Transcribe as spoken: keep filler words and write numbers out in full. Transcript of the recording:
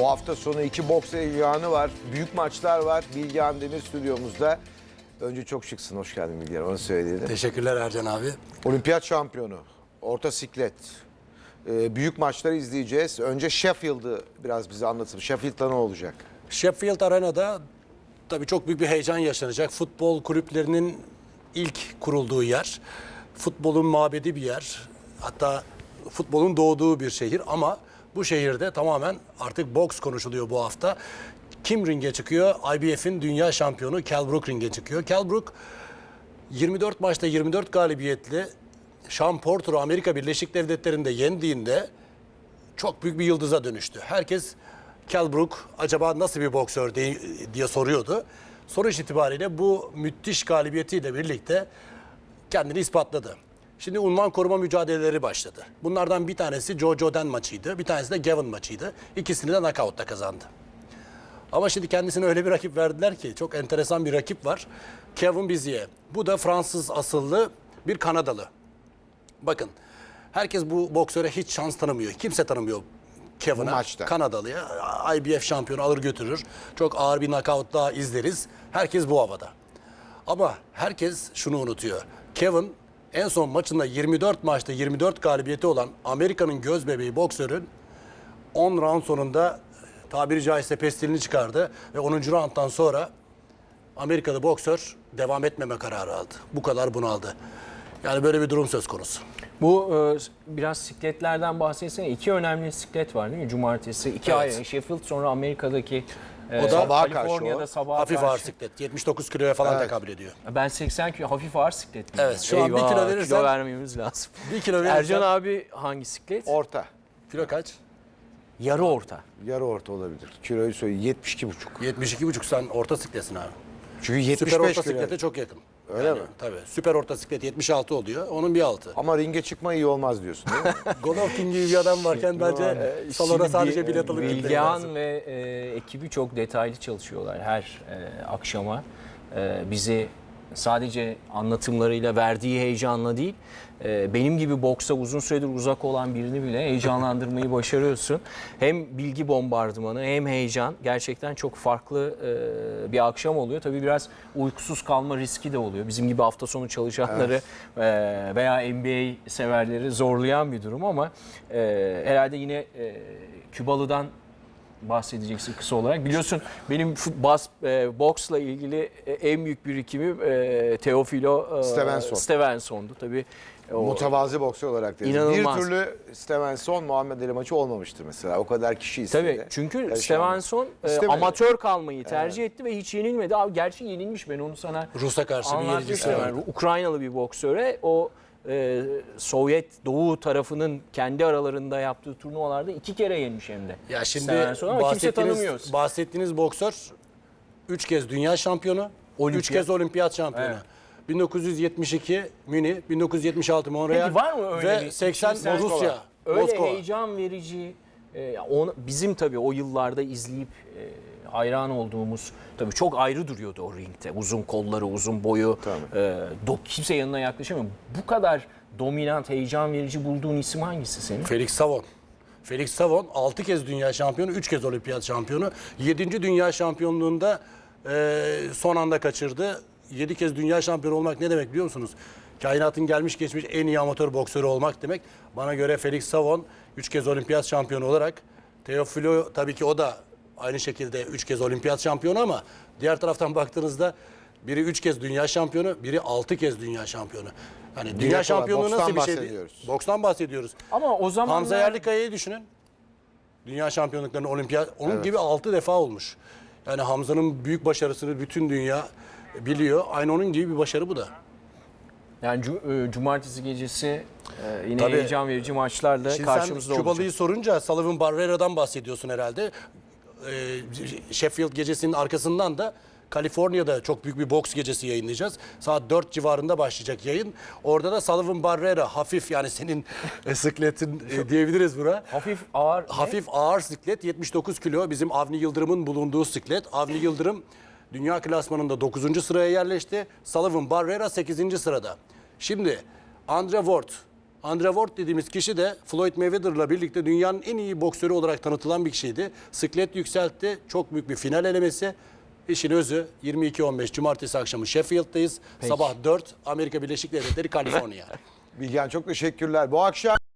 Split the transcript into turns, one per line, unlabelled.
Bu hafta sonu iki boks heyecanı var. Büyük maçlar var. Bilgehan Demir stüdyomuzda. Önce çok şıksın. Hoş geldin Bilgehan. Onu söyleyelim.
Teşekkürler Ercan abi.
Olimpiyat şampiyonu. Orta siklet. Ee, büyük maçları izleyeceğiz. Önce Sheffield'ı biraz bize anlatın. Sheffield'da ne olacak?
Sheffield Arena'da tabii çok büyük bir heyecan yaşanacak. Futbol kulüplerinin ilk kurulduğu yer. Futbolun mabedi bir yer. Hatta futbolun doğduğu bir şehir ama bu şehirde tamamen artık boks konuşuluyor bu hafta. Kim ringe çıkıyor? I B F'in dünya şampiyonu Kell Brook ringe çıkıyor. Kell Brook yirmi dört maçta yirmi dört galibiyetli Sean Porter'ı Amerika Birleşik Devletleri'nde yendiğinde çok büyük bir yıldıza dönüştü. Herkes Kell Brook acaba nasıl bir boksör diye, diye soruyordu. Sonuç itibariyle bu müthiş galibiyetiyle birlikte kendini ispatladı. Şimdi unvan koruma mücadeleleri başladı. Bunlardan bir tanesi Joe Joden maçıydı. Bir tanesi de Gavin maçıydı. İkisini de knockout'ta kazandı. Ama şimdi kendisine öyle bir rakip verdiler ki çok enteresan bir rakip var. Kevin Bizier. Bu da Fransız asıllı bir Kanadalı. Bakın herkes bu boksöre hiç şans tanımıyor. Kimse tanımıyor Kevin'a. Kanadalı'ya. I B F şampiyonu alır götürür. Çok ağır bir knockout daha izleriz. Herkes bu havada. Ama herkes şunu unutuyor. Kevin en son maçında yirmi dört maçta yirmi dört galibiyeti olan Amerika'nın göz bebeği boksörün on round sonunda tabiri caizse pestilini çıkardı ve onuncu rounddan sonra Amerikalı boksör devam etmeme kararı aldı. Bu kadar bunaldı. Yani böyle bir durum söz konusu.
Bu e, biraz sikletlerden bahsetsene. İki önemli siklet var değil mi? Cumartesi. iki
Evet.
ay. Sheffield sonra Amerika'daki e,
O da
sabaha karşı
Kaliforniya'da
o.
sabaha
Hafif
karşı.
ağır siklet. yetmiş dokuz kiloya falan
Evet.
tekabül ediyor.
Ben seksen kilo hafif ağır siklet miyim?
Evet, şu an bir kilo verirsen-
kilo vermemiz lazım.
Bir kilo verirsen-
Ercan abi hangi siklet?
Orta.
Kilo kaç?
Yarı orta.
Yarı orta olabilir. Kiloyu söyle. yetmiş iki buçuk.
yetmiş iki buçuk sen orta sikletsin abi.
Çünkü yetmiş
Süper
beş
orta
kilo.
siklete çok yakın.
Öyle mi?
Tabii. Süper orta siklet yetmiş altı oluyor. Onun bir altı.
Ama ringe çıkma iyi olmaz diyorsun değil mi?
Golovkin gibi bir adam varken bence salona sadece bilet alıp gitmek lazım.
Bilgehan ve e, ekibi çok detaylı çalışıyorlar her e, akşama. E, bizi sadece anlatımlarıyla, verdiği heyecanla değil, e, benim gibi boksa uzun süredir uzak olan birini bile heyecanlandırmayı başarıyorsun. Hem bilgi bombardımanı hem heyecan, gerçekten çok farklı e, bir akşam oluyor. Tabii biraz uykusuz kalma riski de oluyor. Bizim gibi hafta sonu çalışanları e, veya N B A severleri zorlayan bir durum ama e, herhalde yine e, Kübalı'dan bahsedeceksin kısa olarak. Biliyorsun benim bas, e, boksla ilgili e, en büyük birikimim e, Teofilo e,
Stevenson.
Stevenson'du. Tabii o,
Mutavazi boksör olarak deriz.
İnanılmaz.
Bir türlü Stevenson Muhammed Ali maçı olmamıştır mesela. O kadar kişi istedi.
tabii çünkü
Yarışamadı.
Stevenson e,
İstemedi.
amatör kalmayı tercih etti ve hiç yenilmedi. Abi gerçi yenilmiş, ben onu sana
Rus'a karşı bir yenilgisi
anlatmıştım.
var.
Yani Ukraynalı bir boksöre o e, Sovyet Doğu tarafının kendi aralarında yaptığı turnuvalarda iki kere yenmiş hem de.
Ya şimdi
Stevenson ama kimse tanımıyor.
bahsettiğiniz, bahsettiğiniz boksör üç kez dünya şampiyonu,
Olimpiyat.
üç kez olimpiyat şampiyonu.
Evet.
bin dokuz yüz yetmiş iki Münih, bin dokuz yüz yetmiş altı Montreal
Peki var mı öyle
ve
bir-
seksen
Şimdi sen-
Rusya,
Öyle
Moskova.
heyecan verici, e, onu, bizim tabii o yıllarda izleyip e, hayran olduğumuz, tabii çok ayrı duruyordu o ringte. Uzun kolları, uzun boyu, e, do, kimse yanına yaklaşamıyor. Bu kadar dominant, heyecan verici bulduğun isim hangisi senin?
Felix Savon. Felix Savon altı kez dünya şampiyonu, üç kez olimpiyat şampiyonu. yedinci dünya şampiyonluğunda e, son anda kaçırdı. yedi kez dünya şampiyonu olmak ne demek biliyor musunuz? Kainatın gelmiş geçmiş en iyi amatör boksörü olmak demek. Bana göre Felix Savon üç kez olimpiyat şampiyonu olarak. Teofilo tabii ki o da aynı şekilde üç kez olimpiyat şampiyonu ama diğer taraftan baktığınızda biri üç kez dünya şampiyonu, biri altı kez dünya şampiyonu. Hani dünya
kolay,
şampiyonluğu nasıl
bokstan
bir şey?
bahsediyoruz.
Bokstan bahsediyoruz.
Ama o zaman
Hamza Yerlikaya'yı düşünün. Dünya şampiyonluklarının olimpiyat, onun
Evet.
gibi altı defa olmuş. Yani Hamza'nın büyük başarısını bütün dünya biliyor. Aynı onun gibi bir başarı bu da.
yani cu- e, cumartesi gecesi e, yine
Tabii.
heyecan verici maçlarla
Şimdi
karşımızda
sen Kübalı'yı
olacak.
sorunca Sullivan Barrera'dan bahsediyorsun herhalde. Ee, Sheffield gecesinin arkasından da Kaliforniya'da çok büyük bir boks gecesi yayınlayacağız. Saat dört civarında başlayacak yayın. Orada da Sullivan Barrera hafif, yani senin sıkletin e, diyebiliriz buna.
Hafif ağır. ne?
Hafif ağır siklet, yetmiş dokuz kilo, bizim Avni Yıldırım'ın bulunduğu siklet. Avni Yıldırım dünya klasmanında dokuzuncu sıraya yerleşti. Sullivan Barrera sekizinci sırada. Şimdi Andre Ward Andre Ward dediğimiz kişi de Floyd Mayweather'la birlikte dünyanın en iyi boksörü olarak tanıtılan bir kişiydi. Siklet yükseltti. Çok büyük bir final elemesi. İşin özü yirmi iki on beş Cumartesi akşamı Sheffield'dayız. Sabah dört Amerika Birleşik Devletleri, Kaliforniya.
Bilgehan çok teşekkürler. Bu akşam